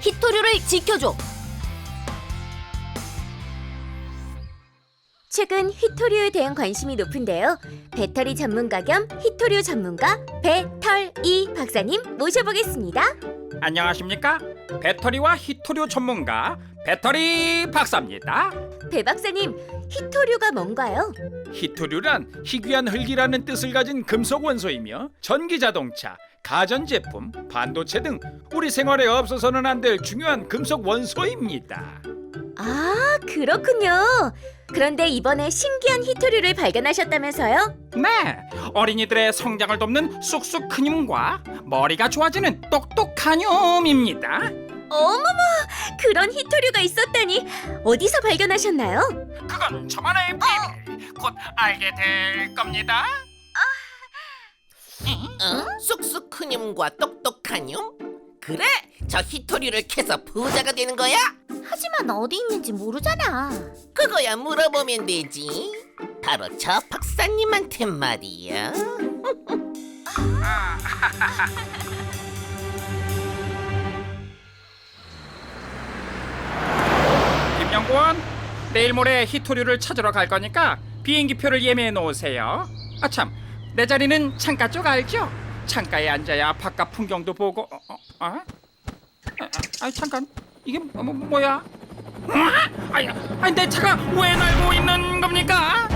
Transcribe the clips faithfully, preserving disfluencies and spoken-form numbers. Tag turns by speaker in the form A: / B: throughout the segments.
A: 히토류를 지켜줘.
B: 최근 히토류에 대한 관심이 높은데요. 배터리 전문가 겸 히토류 전문가 배털이 박사님 모셔보겠습니다.
C: 안녕하십니까? 배터리와 히토류 전문가 배터리 박사입니다.
B: 배 박사님, 히토류가 뭔가요?
C: 히토류란 희귀한 흙이라는 뜻을 가진 금속 원소이며 전기자동차, 가전제품, 반도체 등 우리 생활에 없어서는 안 될 중요한 금속 원소입니다.
B: 아, 그렇군요. 그런데 이번에 신기한 히토류를 발견하셨다면서요?
C: 네, 어린이들의 성장을 돕는 쑥쑥 큰 힘과 머리가 좋아지는 똑똑한 힘입니다.
B: 어머머, 그런 히토류가 있었다니. 어디서 발견하셨나요?
C: 그건 저만의 비밀. 곧 알게 될 겁니다.
D: 어? 쑥쑥 큰 힘과 똑똑한 힘? 그래, 저 히토류를 캐서 부자가 되는 거야?
A: 하지만 어디 있는지 모르잖아.
D: 그거야 물어보면 되지. 바로 저 박사님한테 말이야.
C: 김영권, 내일 모레 히토류를 찾으러 갈 거니까 비행기표를 예매해 놓으세요. 아참, 내 자리는 창가 쪽 알죠? 창가에 앉아야 바깥 풍경도 보고. 어? 어? 어? 아, 아, 잠깐, 이게 뭐, 뭐, 뭐야? 아니, 아니, 내 차가 왜 날고 있는 겁니까?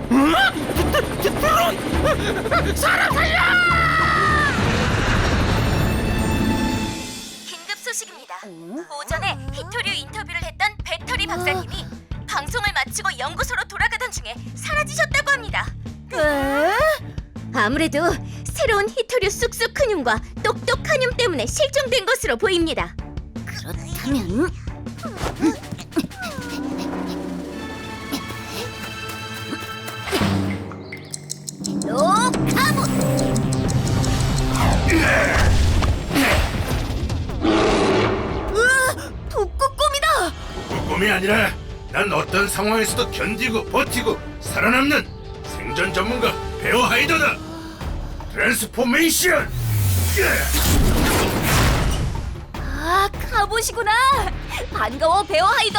C: 드론! 사람 살려!
B: 긴급 소식입니다. 오전에 히토류 인터뷰를 했던 배터리 박사님이 방송을 마치고 연구소로 돌아가던 중에 사라지셨다고 합니다.
A: 에?
B: 아무래도 새로운 히토류 쑥쑥 큰 힘과 똑똑한 힘 때문에 실종된 것으로 보입니다.
A: 그렇다면 로카봇! 으아! 북극곰이다!
E: 꿈이 아니라 난 어떤 상황에서도 견디고 버티고 살아남는 생존 전문가 베어 하이더다. 트랜스포메이션.
A: 아, 카봇이구나! 반가워, 베어 하이더!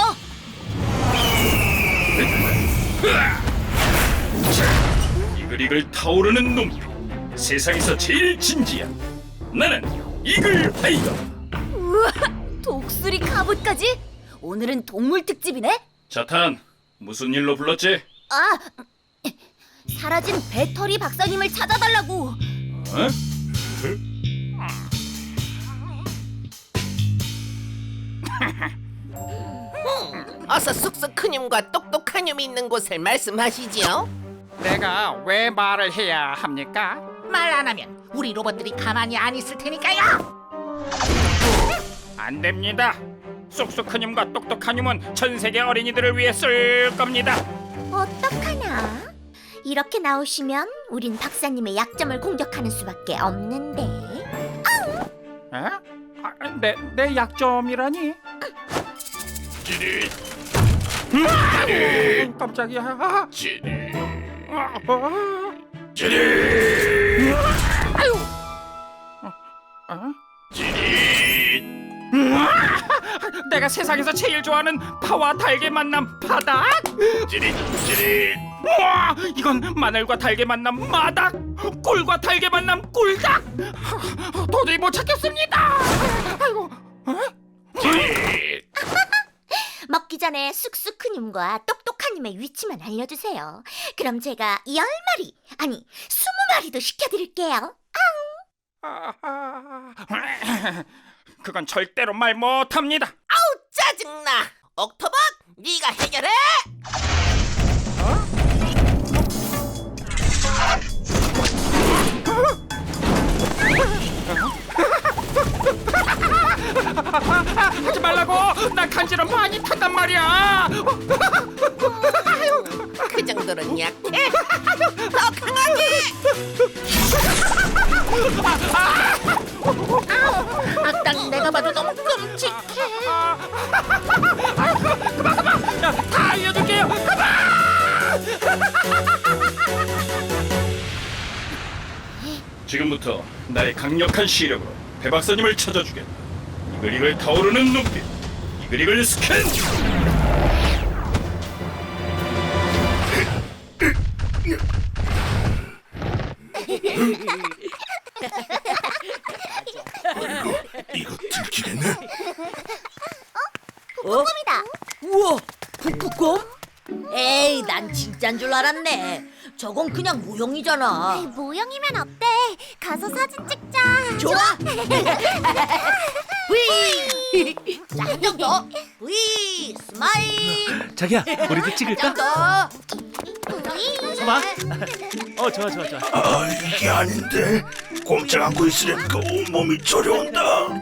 E: 이글이글 타오르는 눈빛, 세상에서 제일 진지한 나는 이글 하이더.
A: 우와, 독수리 카봇까지? 오늘은 동물 특집이네?
E: 자탄, 무슨 일로 불렀지?
A: 아, 사라진 배터리 박사님을 찾아달라고.
E: 어?
D: 어서 쑥쑥 큰 힘과 똑똑한 힘이 있는 곳을 말씀하시지요.
C: 내가 왜 말을 해야 합니까?
F: 말 안 하면 우리 로봇들이 가만히 안 있을 테니까요.
C: 안 됩니다. 쑥쑥 큰 힘과 똑똑한 힘은 전 세계 어린이들을 위해 쓸 겁니다.
A: 어떡하나? 이렇게 나오시면 우린 박사님의 약점을 공격하는 수밖에 없는데.
C: 에? 아, 내, 내 약점이라니?
E: 지릿,
C: 아, 깜짝이야. 아,
E: 지릿,
C: 아, 아,
E: 지릿,
C: 아?
E: 지릿.
C: 내가 세상에서 제일 좋아하는 파와 달걀 만남 파닭?
E: 지릿, 지릿.
C: 우와, 이건 마늘과 달걀 만남 마닭, 꿀과 달걀 만남 꿀닭. 도저히 못 찾겠습니다. 아이고, 어?
E: 지릿.
A: 먹기 전에 쑥쑥 큰 힘과 똑똑한 힘의 위치만 알려주세요. 그럼 제가 열 마리, 아니 스무 마리도 시켜드릴게요.
C: 아, 아, 그건 절대로 말 못합니다.
D: 아우 짜증나. 옥토벅, 네가 해결해.
C: 하지 말라고. 나 간지럼 많이 탔단 말이야.
D: 그 정도는 약해. 더 강하게.
F: 악당 내가 봐도 너무 끔찍해.
C: 그만 그만. 야, 다 알려줄게요.
E: 지금부터 나의 강력한 시력으로 배 박사님을 찾아주겠다. 이글이글 타오르는 눈빛, 이글이글 스캔. 이거 들키겠네?
A: 꿈이다.
G: 우와, 북극곰? 에이, 난 진짠 줄 알았네. 저건 그냥 모형이잖아.
A: 모형이면 어때? 가서 사진 찍자.
G: 좋아. 위. 자, 한 점 더. 위. 스마일.
H: 자기야, 우리도 찍을까?
G: 더.
H: 봐봐. 어, 좋아, 좋아, 좋아.
E: 아, 이게 아닌데. 꼼짝 않고 있으려니까 온몸이 저려온다.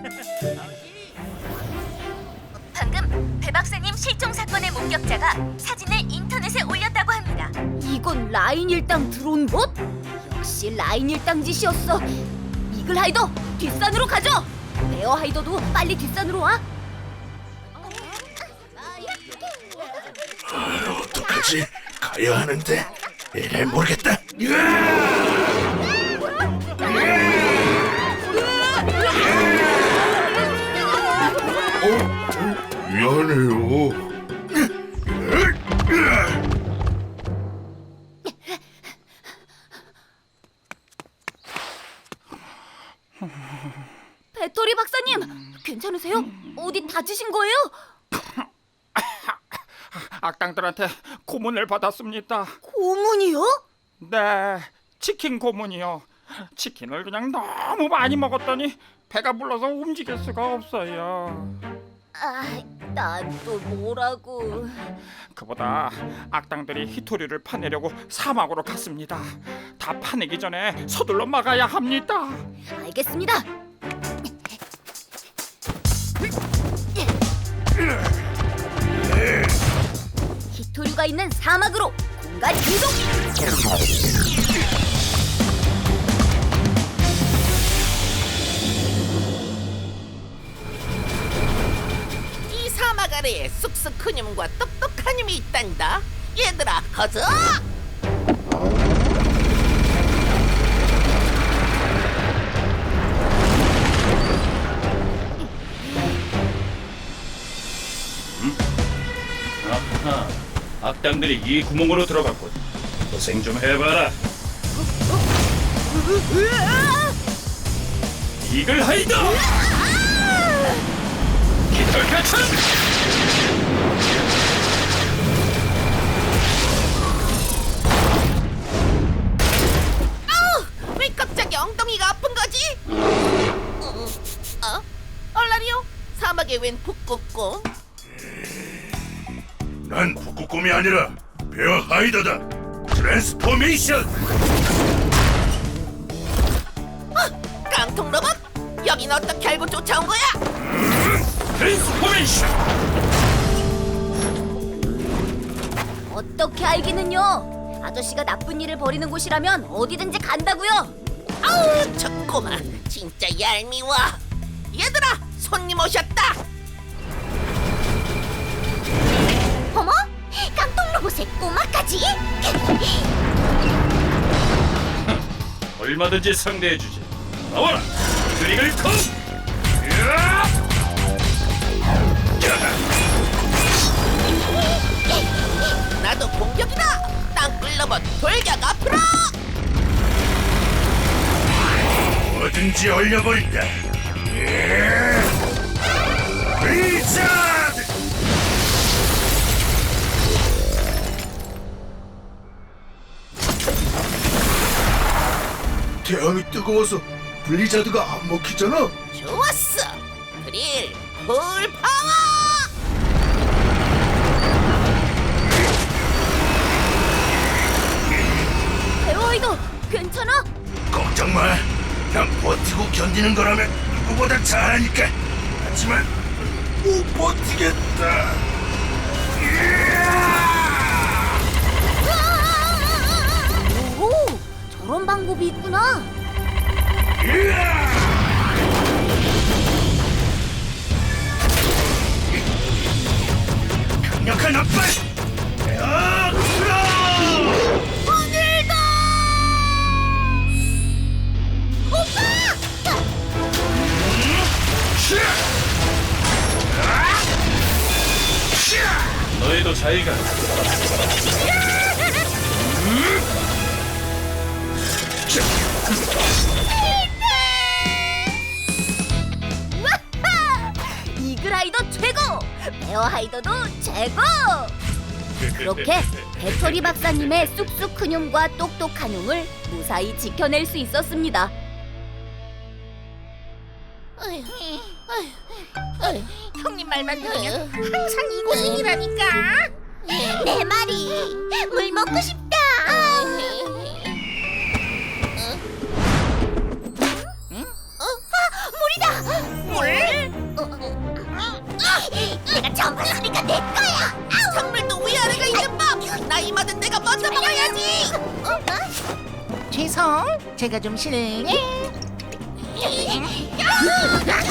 B: 방금 배 박사님 실종 사건의 목격자가 사진을 인터넷에 올렸다고 합니다.
G: 이건 라인 일당 들어온 곳? 역시 라인 일당 짓이었어. 이글 하이더, 뒷산으로 가죠. 베어 하이더도 빨리 뒷산으로 와.
E: 아, 어떡하지? 가야 하는데. 에이, 모르겠다. 어? 미안해요.
G: 배터리 박사님, 괜찮으세요? 어디 다치신 거예요?
C: 악당들한테 고문을 받았습니다.
G: 고문이요?
C: 네, 치킨 고문이요. 치킨을 그냥 너무 많이 먹었더니 배가 불러서 움직일 수가 없어요.
G: 아, 난 또 뭐라고.
C: 그보다 악당들이 히토리를 파내려고 사막으로 갔습니다. 다 파내기 전에 서둘러 막아야 합니다.
G: 알겠습니다. 히토류가 있는 사막으로 공간 이동.
D: 이 사막 아래에 쑥쑥크님과 똑똑하님이 있단다. 얘들아, 가자.
E: 아하, 악당들이 이 구멍으로 들어갔군. 고생 좀 해봐라. 이글 하이더! 깃털 가천!
D: 왜 갑자기 엉덩이가 아픈 거지? 어? 어? 얼라리오? 사막에 웬 북극곰?
E: 난 북극곰이 아니라 베어 하이더다. 트랜스포메이션!
D: 깡통 로봇? 여긴 어떻게 알고 쫓아온 거야?
E: 트랜스포메이션!
G: 어떻게 알기는요? 아저씨가 나쁜 일을 벌이는 곳이라면 어디든지 간다고요.
D: 아우, 저 꼬마 진짜 얄미워. 얘들아, 손님 오셨다.
A: 어머? 깡통 로봇의 꼬마까지?
E: 얼마든지 상대해주지. 나와라! 드리글 컴!
D: 나도 공격이다. 땅굴 로봇 돌격 앞으로.
E: 뭐든지 얼려버린다. 리자드! 태양이 뜨거워서 블리자드가 안 먹히잖아.
D: 좋았어. 드릴 풀 파워.
G: 베어하이더, 괜찮아?
E: 걱정 마. 난 버티고 견디는 거라면 누구보다 잘하니까. 하지만 못 버티겠다.
G: 오, 저런 방법이 있구나.
E: 강력한 압박! 야, 오늘도! 오빠! 너희도 잘 가.
G: 이글하이더 최고! 베어하이더도 최고! 그렇게 배터리 박사님의 쑥쑥 큰 흉과 똑똑한 흉을 무사히 지켜낼 수 있었습니다.
F: 형님 말만 들으면 항상 이 고생이라니까.
A: 내 말이 물 먹고 싶다. 아, 내가 전부으니까 내 거야.
D: 선물도 위아래가 있는 법. 나이 많은 내가 먼저 먹어야지.
F: 죄송, 제가 좀 실례.
A: 아,